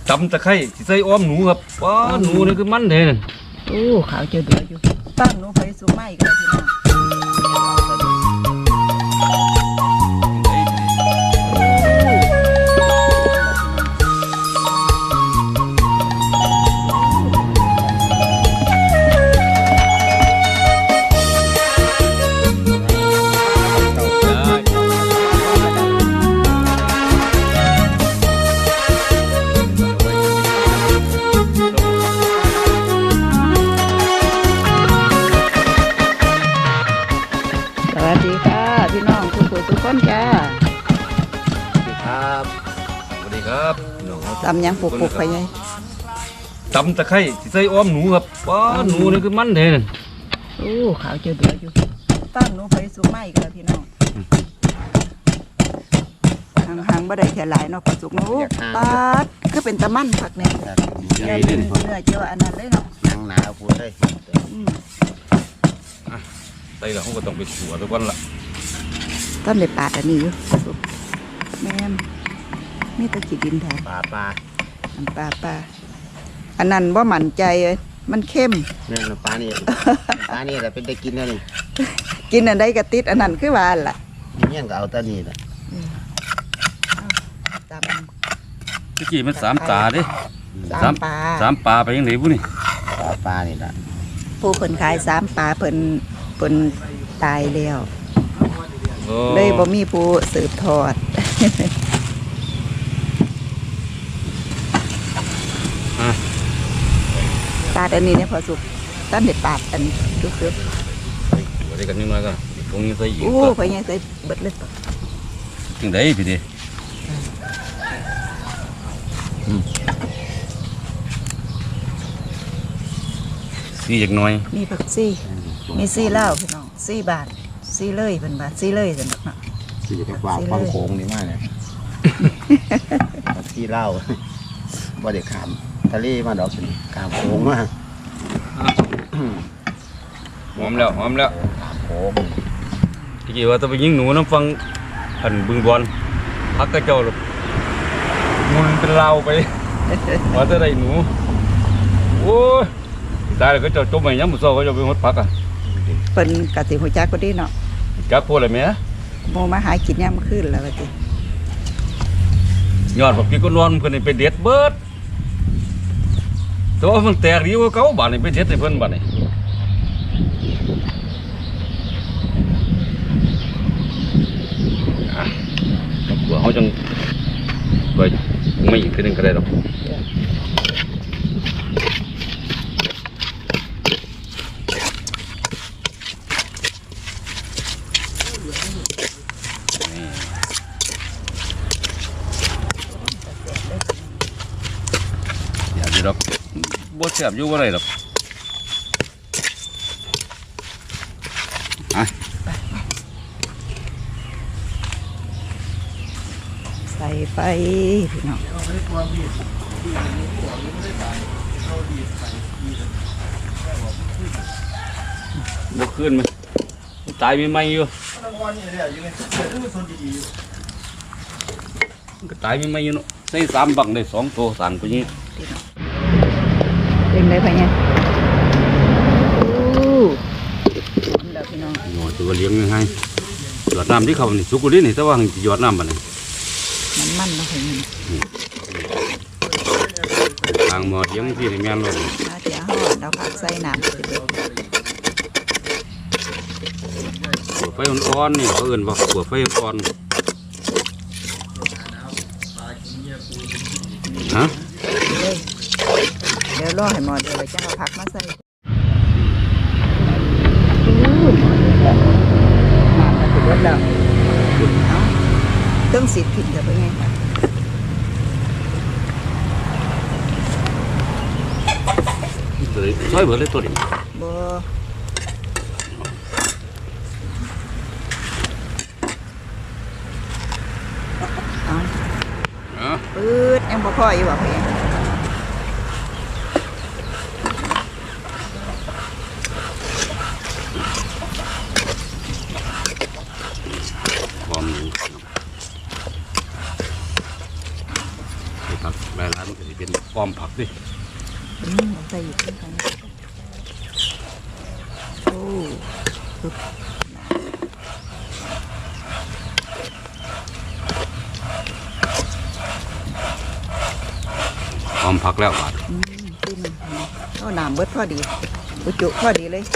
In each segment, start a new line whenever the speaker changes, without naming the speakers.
ตำตะไคร้ใส่อ้อมหนูครับว้าหนูนี่คือมันเด้นั่น
โอ้ขาวเจือเดืออยู่ตั้งหนูไปสู่ไม้กันพี่น้องสวัสดีค่ะพี่น้องทุกคนทุกคนจ้า
ครับสวัสดีครับ
ตำยังปุกๆไปไง
ตำตะไคร้ใส่อ้อมหนูครับว้าหนูนี่คือมันเด้นั่น
โอ้ขาวเจือเดืออยู่ตั้งหนูไปสู่ไม้กันพี่น้องห่างๆบ่ได้แค่หลายเนาะปลาสุกหนูปลาคือเป็นตะมันผักเนี่ยเนื้อเจียวอันนั้นเลยเนาะ
หนังหนาพูดเลย
ใส่แล้วเขาก็ต้องไปขัวไปก่อนละ
ต้นเลยปาดอันนี้อยู่แม่มีตะกี้ดินแทน
ปลา
ปลาอันนั้นว่าหมั่นใจมันเข้ม
เนี่ยปลานี่แต่เป็นได้กินแล้วนี่
กินอันใดกระติดอันนั้นคือว่าล่ะ
เนี่ยก็เอาตานี่แหละ
ตะกี้มัน3 ตาดิ3 ปลาไปยังไงบุนี่
ปลานี่แหละ
ผู้เพิ่นขาย3 ปลาเพิ่นตายแล้วเลยบ่มีผู้สืบทอดปาดอันนี้เนี่ยพอสุกตั้งแต่ปาดอันทุกๆ
ได้กันนิดหน่อยก็ตรงนี้ใส่อีก
โอ้ไปยังใส่เบิดเลย
จังไดพี่ดิซี่จักหน่อย
มีผักซี่มีซี่เหล้าพี่น้องซี่บาทซี่เลยเป็นบาทซี่เลยสนุกเนาะ
ซี่จะกว่าฟังโค้งนี่มากเนี่ยซี่เหล้าบ่ได้ขามทะเลมาดอกสิขามโค้งมา
หอมแล้ว
ขามโค้ง
ที่กี่ว่าจะไปยิงหนูน้ำฟังอันบึงบอลพักกระเจ้าหรอกมุนเป็นลาวไปว่าจะได้หนูโอ้ยได้แล้วก็จะจมไปยังมุโซ่ก็จะไปหดพักอ่ะ
เป็นกะติหัวใจก็ดีเนาะ
จักพูดอะไรไหม
โมมาหากินย่ำขึ้นแล้วกะติ
ยอดแบบพี่ก็นอนเพื่อนไปเด็ดเบิดแต่ว่ามันแตกดีกว่าเขาบ้านนี่ไปเด็ดในเพื่อนบ้านนี่กลัวเขาจังไปไม่อีกทีนึงก็ได้หรอกดอกบ่เสียบอยู่ว่าไรดอก
ใส่ไปพี่น้อง
บ่ขึ้นมั้ยตายไม่อยู่ก็ตายไม่อยู่เนาะใส่3 บังได้2 ตัวสั่นไปนี้
เป็นไรไปเนี่ยโอ้เดี๋ยวพี่น้อง
หน่อยตัวเลี้ยงยังไงหยอดน้ำที่เขานี่สุกุลินี่แต่ว่าหยอดน้ำมัน
มันเนาะพี่
ทางหมอเลี้ยงที่ในแม่นลง
เดี๋ยวห่อเราพักใส่น้ำ
ปวดไฟอ่อนๆนี่เขาเอื่นว่าปวดไฟอ่อนฮะ
เดี๋ยวรอให้หมดเดี๋ยวจะเอาผักมาใส่มาถึงแล้วเครื่องสีผิดจะเป็นไง
ซอยเบิดเลยตัวนี้
บ่ปื๊ดยังบ่พออยู่บ่เพื่อน
ความครับหลายร้านมันก็จะเป็นอ้อมผักดิ
ใส่อีกกันโอ้สุด
อ้อมผักแล้วบาด
จิ้มเอาน้ำเบิดพอดีอุจุพอดีเลย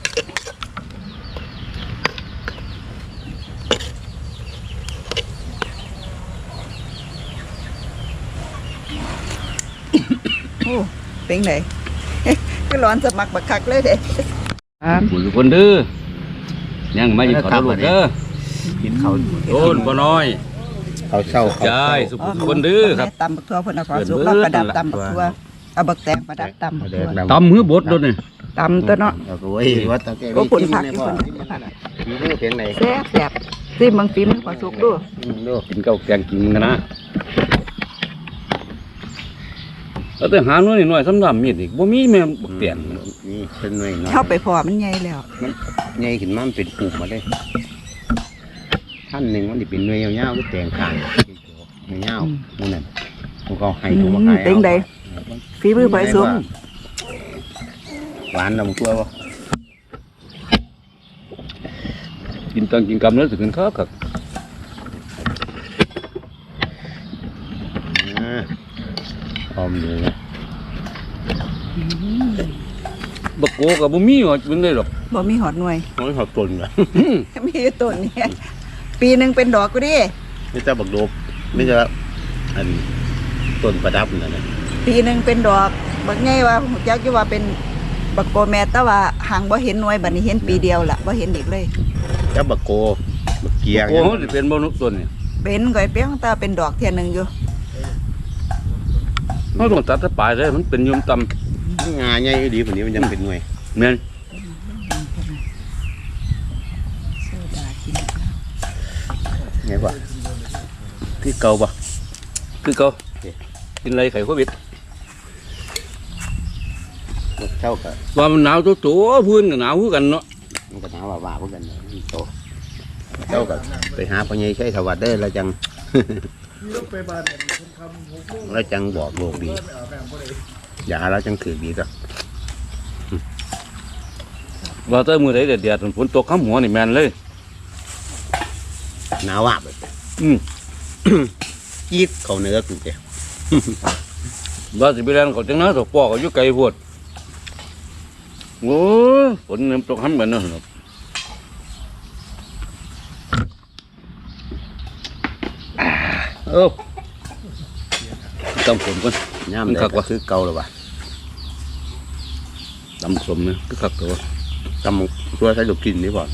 โอ้เป็นไง ก็ร้อนสมักบักคักเลยเด้
หมุนคนดื้อยังไม่ยิงขอโทษเด้อ
กินข้าว
โดนบ่น้อย
ข้าวเช้าข้าว
ยายสุขุมคนดื้อครับ
ตำบักทั่วเพิ่นเอาขอสุกแล้วประดับตำบักทั่วเอาบักแตงประดับตำบักทั่ว
ตำหือบดโดนนี่
ตำตัวเนาะ
โอ้ยว่าตะแก
ก็ผลผัก
นี่
ที่
พ่อ
ผลผัก
มีเรื่องเพียงไหน
แซ่บแซ่บซิมบางฟิมขอสุกด้วย
ดู
กินข้าวแกงกินกันนะแล้วแต่หาหน่อยหน่อยสำหรับมีดอีกบ่มีแม่บักเตียน
นี่เป็นหน่วยน้อย
เข้าไปพอมันใหญ่แล้ว
มันใหญ่ขึ้นมามันเป็นปุ่มมาได้ท่านหนึ่งมันจะเป็นหน่วยยาวๆก็แตงข้างยาวๆนั่นน่ะพวกเขาให้ถูกมาขาย
เป็นไดฝีมือไปสุก
หวานลำตัวบ่
กินตังกินกำแล้วสิขึ้นครับครับ
หอมอยู่นะ
บักโกกับบ่มีว่าเป็นได้หรอก
บ่มีหอดหน่วย
มันหอมต้นเหรอ
มีอยู่ต้นเนี่ยปีหนึ่งเป็นดอกก็ดิ
ไม่จะบักโดบไม่จะอันต้นประดับนั่นนะ
ปีหนึ่งเป็นดอกบักใหญ่ว่าหูจักอยู่ว่าเป็นบักโกแม่แต่ว่าหางบ่เห็นหน่วยบัดนี้เห็นปีเดียวล่ะบ่เห็นอีกเลย
จะบักโกบักเกีย
โกเขาสิเป็นบ่นุกต้นนี่
เป็นก่อยเปี้ยงตาเป็นดอกเทียหนึงอยู่
เขาต้องตัดแต่ปลายเลยมันเป็นยมต
งาใหญ่ดีกว่านี้มันยังเป็นหน่วย
ำแม่น
โซดากิน
ไงวะที่เก่าปะ
คือเขากินอะไรไข่โควิด
เท่ากับ
ว่ามันหนาวตัวพื้นก็หนาวคือกันเนาะ
มันก็หนาวว่าพวกกันโตเท่ากับไปหาพ่อใหญ่ใช้ถวัดได้แล้วจังแล้วจังบอกโลกดีอย่าแล้วจังถือดีก็
ว่าแต่มื้อใดเดือดๆฝนตกข้ามหัวนี่แม่นเลย
หนาวว่าแบบ
อืม
จี๊ดเขาเนื้อกูเจ้
ว่าสิไปแล่นเขาจังนะตกปอกก็อยู่ไกลโพดโอ้ยฝนมันตกห้ำกันเนาะเอ้าตำฝนก่อน
ย่ามได้ก็คือเก่าหรือวะ
ตำสมนะคือคักตัว
ตำตัวใช้ลูกกินนี่บ่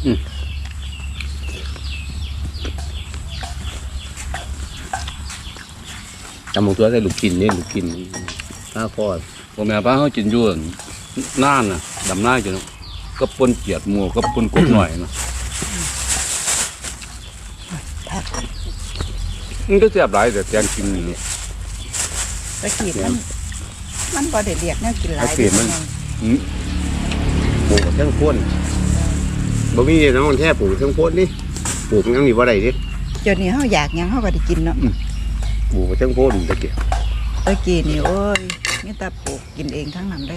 ตำตัวใช้ลูกกินนี่ลูกกินข้าวคอด
พ่อแม่ป้าเขากินอยู่น่านน่ะดำหน้ากินเนาะก็ปนเกียดหมูก็ปนกบหน่อยนะมันก็แซ่บหลายแต่แกงกินนี่
ตะกี้มันบ่ได้เรียกแนวกินหลาย
อืม
ปลูกเครื่องพ่นบ่มีน้องแท้ปลูกเครื่องพ่นนี่ปลูกยังมีบ่ได้ดิ
เดี๋ยวนี้เฮาอยากหยังเฮาก็ได้กินเนาะ
ปลูกเครื่องพ่นตะเกียบ
ตะกี้นี่โอ้ยมีแต่ปลูกกินเองทั้งนั้นเลย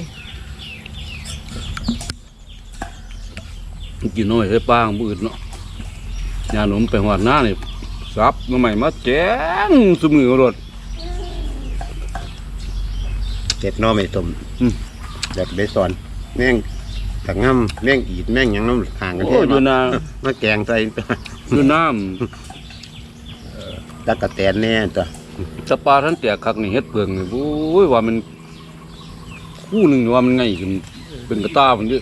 กินน้อยใส่ปลาของผู้อื่นเนาะยาหนมไปหอดหน้านี่ซับมาใหม่มาแจ้งสมือรถ
เจ็ดน้อไม่ต้มอยากได้สอนแม่งตะง่ำแม่งอีดแม่งหยังน้ำห่างกัน
โอ้
แท้
อยู่นา
มาแกงใส่
อยู่น้
ตะกะแตนแน่ตัว
ำสปลาท่านแตกคักนี่เฮ็ดเปลืองนี่โอ้ยว่ามันคู่หนึ่งว่ามันไงขึ้นเป็นกระตามันเยอะ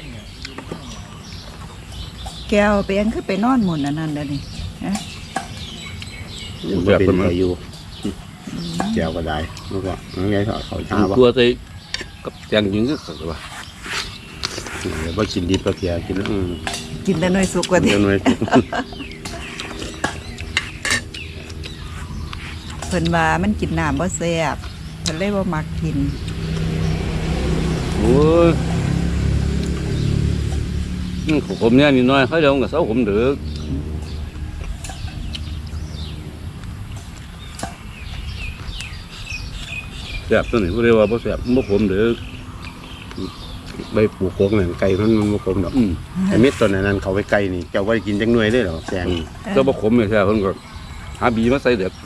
แก้วเปียงคือไปนอนหมุนอันนั้นเด้อนี่ฮะ
แบบเป็นไปอยู่แจวก็ได้แล้วก็ยังไงเขาชาว่า
ตัวใส่กับแจงยิงก็ขักว่า
เดี๋ยวว่ากินดิบก็เพียกิน
กินแต่น้อยสุกกว่าที่
เดี๋ยวหน่อย
เพิ่นว่ามันกินน้ำบ่แซ่บเพิ่นเลยบ่มักกิน
โอ้ยผมเนี่ยนี่น้อยเขาเดี๋ยวกับเสาผมเดือดแซ่บตัวนี้บ่ได้ว่าบ่แซ่บบ่ขมเด้อ
ใบปูโค้งนั่นไก่มันบ่คมดอกไอ้เม็ดต้นนั้นเขาไปไก่นี่เจ้าบ่ได้กินจังหน่วยเลยเหรอแซง
ก็บ่ขมเลยแท้เพิ่นก็หาบีมาใส่เด็ก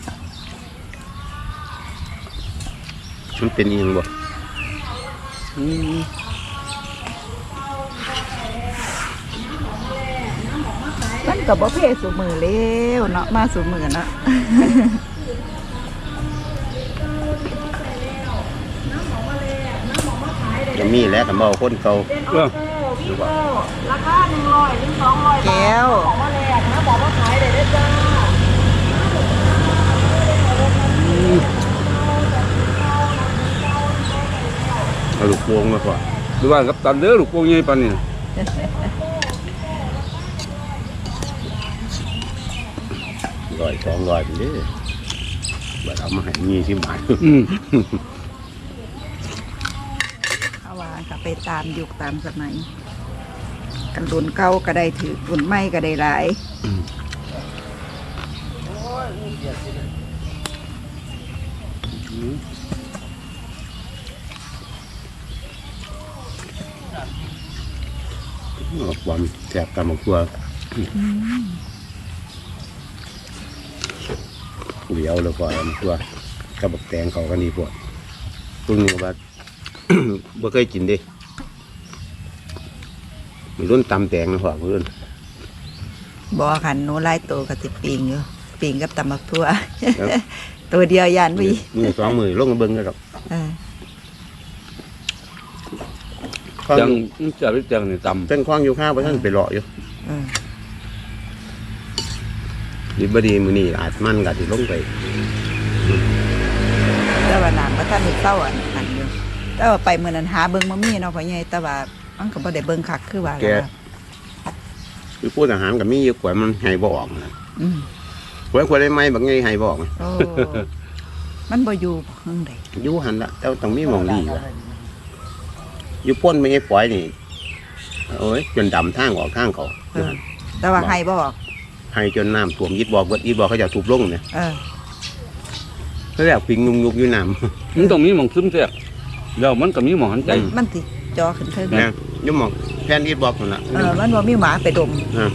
มันเป็นอีหยังบ่
มันก็บ่เพ่สู่มือแล้วเนาะมาสู่มือเนาะ
จะมีแล้วกันบ่คนเก่า
เออ
ราคา100ถึง200
แก้ว
ของมาแลกนะบอกว่าขายได้จ้า
เอาลูกโป่งมาก่อน
ดูว่ากับตันเด้อลูกโป่งใหญ่ปานนี้
100 200นี่เด้อบ่เอามาให้20 บาท
เอาว่าก็ไปตามยุคตามสมัยกันรุ่นเก่าก็ได้ถือรุ่นใหม่ก็ได้หลาย
บอลแซ่บตามบักตัวเหลียวแล้วก็บักตัวกับบักแตงเขากันดีพวกพวกนี้ก็ว่า บ่เคยกินเด้มีรุ่นตำแตงนะพ่อมีรุ่น
บ่คันหนูไล่ตัวก็สิปิงอยู่ปิงกับตำบักทั่ว ตัวเดียวยันวิ
มือ2 มือลงมาเบิ่งกันดอก
เออ
จังจะไปจังนี่ตำ
เส้นคว้างอยู่ข้าวบ่ทันไปเลาะอยู่
เออ
ดีบ่ดีมื้อนี้อาจมันก็สิลงไป
แต่ว่าน้ำก็ท่านได้เศร้าอันอยู่แต่ว่าไปมื้อนั้นหาเบิ่งบ่มีเนาะพ่อใหญ่แต่ว่ามันก็บ่ได้เบิ่งคักคือว่า
แก
ล่ะ
คือพูดอาหารก็มีอยู่กว่ามันให้บ่ออกนะ
อืม
ควรได้ไหมบางไงให้บ่ออก
โอ้ มันบ่อยู่เพิ่งใด
อยู่หันละแต่ต้องมีหมองดีว่ะอยู่พ่นไม่ให้ปล่อยนี่โอ้ยจนดำทางออกทางเขา
เออแต่ว่าให้บ่ออก
ให้จนน้ำท่วมยิดบอกเบิดยิดบอกเขาจะถูกลงเนี่ย
เออ
เขาเรียกพิงนุกๆอยู่น้
มันต้องมีหม่องซึมแซ่บแล้วมันก็มีหม่องหันใจ
มันสิจอขึ้นเทิง
ำนะอยุ่หมองแทนยิดบอกนั่นละ
มันบ่มีหมาไปดม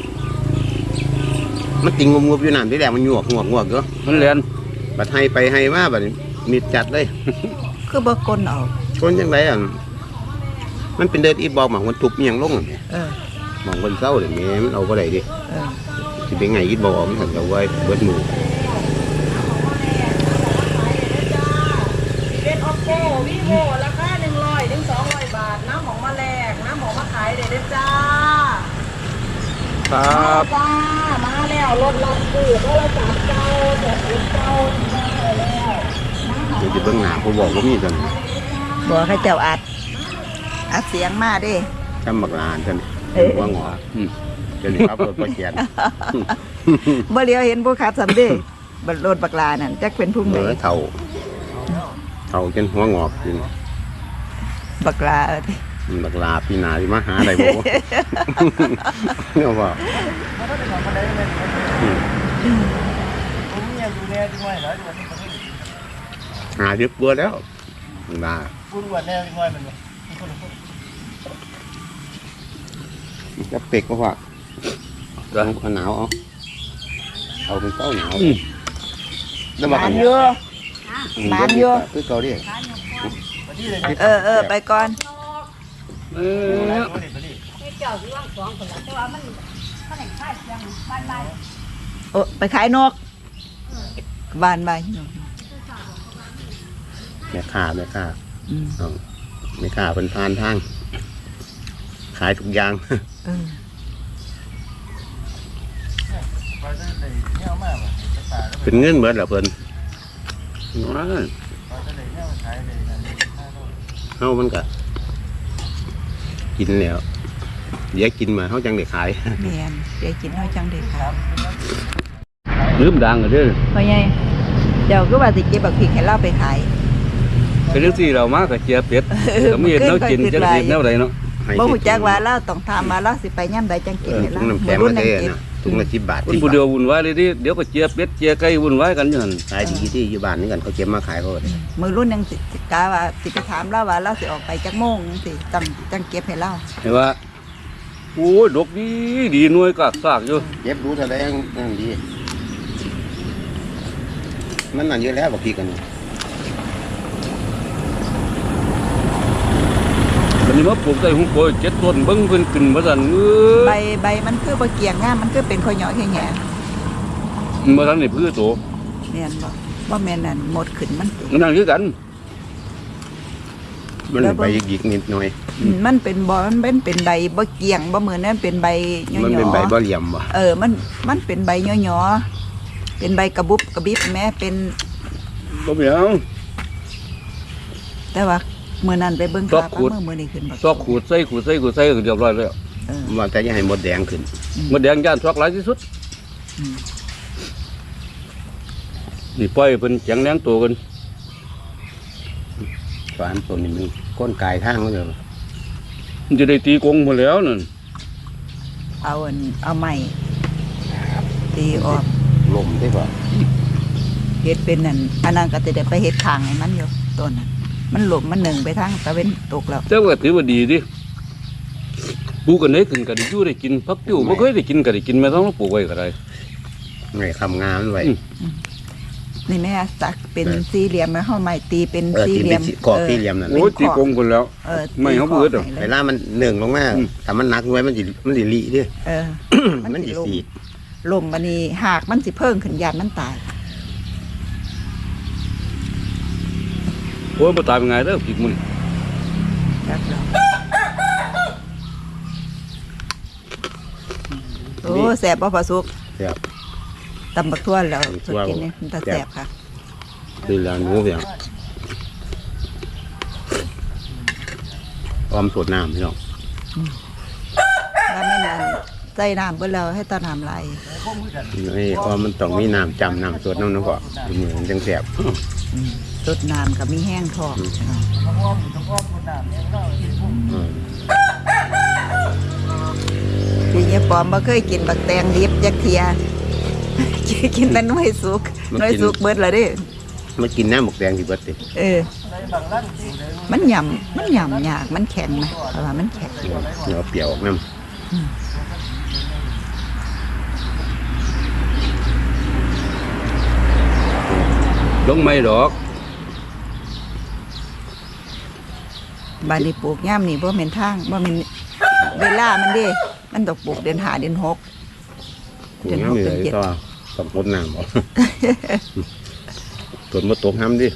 มันติงงบๆอยู่น้ำที่แรกมันหยวกเนาะ
มันแล่น
บัดให้ไปให้มาบัดนี้มีจัดเลย
คือบ่กลนเอา
คนยังไงอ่ะมันเป็นเดินอีบอกหมองมันทุบเมียงลงอ่ะเนี่ย
เออ
หมองคนเศร้าเลยแม่มันเอาก็ได้ดิ
เออ
สิเป็นไงยิดบอกออกมันถึงเอาไว้เบิดหมู่
เป็นโอโก้วิโวราคา100ถึง200 บาทน้ำของมาแลกน้ำของมาขายได้จ้า
ครับ
จ้ามาแล้วรถเราคือโทรศัพท์เก่าแบบเก่ามาแล้ว
เดี๋ยวจะเบิ่งหน้าผู้บอกว่ามีกัน
บ่ให้เจ้าอัดเสียงมาเด้
จำบักลานกันว่าหงอเดี๋ยวนี้ครับรถประเกียน
บ่เลียวเห็นผู้ขับสำเด้บัดรถบักลานั่นจักเป็นผู้ใด
เท่าจนหัวงอกจน
บักลาติ
บักลาพี่นาที่มาหาอะไรบ่เนี่ยว่าหาเรียบเบื่อแล้วบักลาจะเป็กก็ว่าหนาวเอาเป็นเต้าหนาวแล้วมา
บานอยู่ บานอยู่
คือเกาหลี
เออไปก่อน
เออ
โอ้ไปขายนกบ้านไป
แม่ค้า
อืม
เอาแม่ค้าเป็นพานทาง ขายทุกอย่าง
เออ
เป็นเงินเหมือนเหรอเพิ่นเฮามันก็กินแล้วเดี๋ยวกินมาเฮาจังได้ขาย
แม่นเดี๋ยวกินเฮาจังได้ขาย
ลืมดังกันเด้อ
พ่อใหญ่เดี๋ยวก็ว่าสิเก็บบักพริกให้เราไปขาย
คือเรื่องที่เรามากับเจียเป็ดก็มีแนวกินจะได้แนวใดเนาะ
ให้
บ่ฮู้จักว่าเราต้องถามมาเราสิไปย่ํใดจังกินให้เรา
น้ำแข็ง
รุ่
มาน เท
จังกิน
น่ะถุงละ10 บาท
คนผู้เดียววุ่นวายเลยดิเดี๋ยวก็เจียเป็ดเจียไก่วุ่นวายกันอยู่หั่น
ขายดีที่อยู่บ้านนี่กันเขาเก็บมาขายเขาเลย
มือรุ่นยังสิกาว่าสิไปถามเราว่าเราสิออกไปจักโมงสิจังเก็บให้เรา
เห็นว่าโอ้ยดกดีดีหน่วยกากซากอยู่
เก็บรู้เท่าไรนั่นดีมันนั่นเยอะแล้วบอกพี่กัน
วันนี้มาปลูกใส่หุ้งโกย7 ต้นเบิ่งเพิ่นขึ้นว่าซั่น
ใบมันคือบ่เกี่ยงงามมันคือเป็นข้อยเหยาะแง่
บ่ทันได้พื้อโต
ๆแม่นบ่แม่นนั่นหมดขึ้นมันติ
นั่นคือกัน
มันใบหยิกนิดหน่อย
มันเป็นบ่มันเป็นใบบ่เกี่ยงบ่เหมือนนั่นเป็นใบเหยาะๆ
มันเป็นใบบ่เหลี่ยมบ่
มันเป็นใบเหยาะๆเป็นใบกระบุบกระบิบแม้เป็น
บ่มีหยัง
แต่ว่ามื้อนั้นไปเบิ่ง
ซอก
ขา
ขูด
มื้อนี้ขึ้นบ่
ซอกขูดใส่ก็เรียบร้อยแล้ว
ว่าแต่จะให้หมดแดงขึ้น
มดแดงย่านซอกหลายที่สุด
อืม
นี่ปล่อยให้เพิ่นแข็งแรงโตกัน
สารตัวนี้มันก้นกายทางเขาเลย
มันจะได้ตีกงหมดแล้วนั่น
เอาไม้ตีออก
ลมได้ป่ะ
เฮ็ดเป็นนั่นอันนั้นก็สิได้ไปเฮ็ดข้างให้มันอยู่ต้นนั้นมันหลบมันหนึ่งไปทางตะเวนตกแล้ว
แต่ว่าถือว่าดีดิปลูกกันได้ขึ้นก็ได้อยู่ได้กินพักติ้วบ่เคยได้กินก็ได้กินแม่ต้องปลูกไว้ก็ได้
ไงคำงามไว้
นี่แม่สักเป็นสี่เหลี่ยมแล้วเฮาไม้ตีเป็น
ตี
สี่เหลี่ยม
กรอบสี่เหลี่ยมนั่น
โอ้ยตีกงคนแล้ว ไม่เขาเบิดหรอก
เวลามันหนึ่งลงมาถ้ามันหนักไว้มันสิลีดิ มันสิสี
ลมบัดนี้หากมันสิเพิ่งขึ้นยานมันตาย
โอ้ยบ่ตายเป็นไงเด้อผิดมื้อนี้
จักแล้วโอ้แสบบ่พอสุก
ครับ
ตำบักทั่วแล้วสุดกินนี่มันตาแสบค่ะ
คือแล้วหนูเพียงออมสดน้ำพี่น้อง
ว่าไม่นานใส่น้ำเบิ่แล้วให้ตาน้ำไหล
นี่ออมมันต้องมีน้ำจำน้ำสดน้ำก็เหมือนจังแสบ
สดน้ำกับมีแห้งทอง ทีนี้ปอมบ่เคยกินบักแตงดิบจักเทีย กินแต่หน้อยสุกหน้อยสุกเบิดแล้วเด้
มากินน้ำหมกแดงที่เบิดติ
มันหย่ำยากมันแข็งไหมเพราะว่ามันแข็ง
เนื้อเปรี้ยวออกน้
ลงไม่ดอก
บานนี้ปลูกย่ามนี่บ่แม่นทางบ่แม่นเวลามันเด้มันต้องปลูกเดือน5เดือน6
ำกูน้ำเลยก็ต้องพดน้ำบ่ ส่วนมาตกน้ำดิ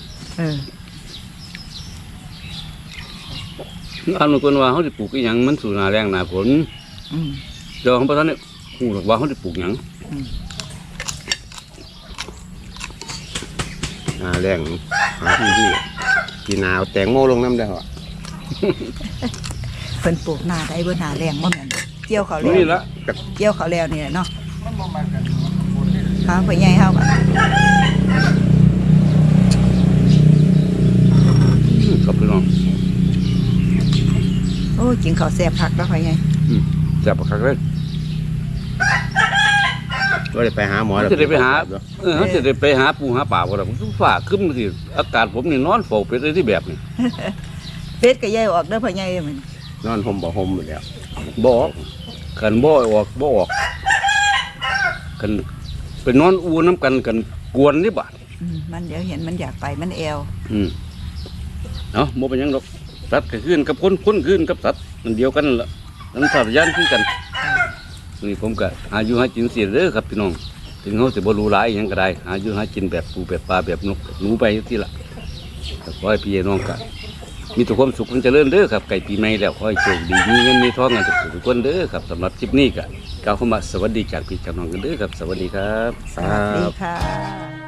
อันนู้นว่าเขาสิปลูกอีหยังมันสู่หน้าแรงหน้าฝนเดี๋ยวเขาบ่ทันได้ฮู้หรอกว่าเขาสิปลูกหยัง
แรงหาที่กินหนาวแตงโมลงน้ำได้เหรอ
เพิ่นปลูกหน้าได้บ่หน้าแรงบ่แม่นเกี่ยวเขาวแล้ว
นี่ละ
เกี่ยวเขาวแล้วนี่แหละเนาะหาไปใหญ่เฮาก็
กับพี่น้อง
โอ้กินข้าวแซ่บคักแล้วพ่อใหญ่
แซ่บคักเลย
ก็เลยไปหาหมอแล้ว
จะได้ไปหาเขาจะได้ไปหาปูหาป่าบ่ล่ะผมฟ้าขึ้นมาสิอากาศผมนี่นอนเฝ้าเป็ดได้ที่แบบนี้
เป็ดก็ใหญ่ออกเด้อพ่อใหญ่มัน
นอนห่มบ่ห่มอยู่แล้ว
บ่ออกคันบ่ออกคันไปนอนอูน้ำกันกวนนี่บาด
มันเดี๋ยวเห็นมันอยากไปมันแอว
เนาะบ่เป็นหยังดอกสัตว์ก็ขึ้นกับคนขึ้นกับสัตว์มันเดียวกันล่ะมันสัตว์ยานคือกันนี่ผมก็หาอยู่หากินเสียเด้อครับพี่น้องถึงเขาสิบ่รู้หลายอิหยังก็ได้หาอยู่หากินแบบปูแบบปลาแบบนกหนูไปที่ละก็ขอให้พี่น้องก็มีแต่ความสุขความเจริญเด้อครับไก่ปีใหม่แล้วขอให้โชคดีมีเงินมีทองกันทุกคนเด้อครับสำหรับคลิปนี้ก็กล่าวคำว่าสวัสดีจากพี่จากน้องกันเด้อครับสวัสดีครับ
สวัสดีค่ะ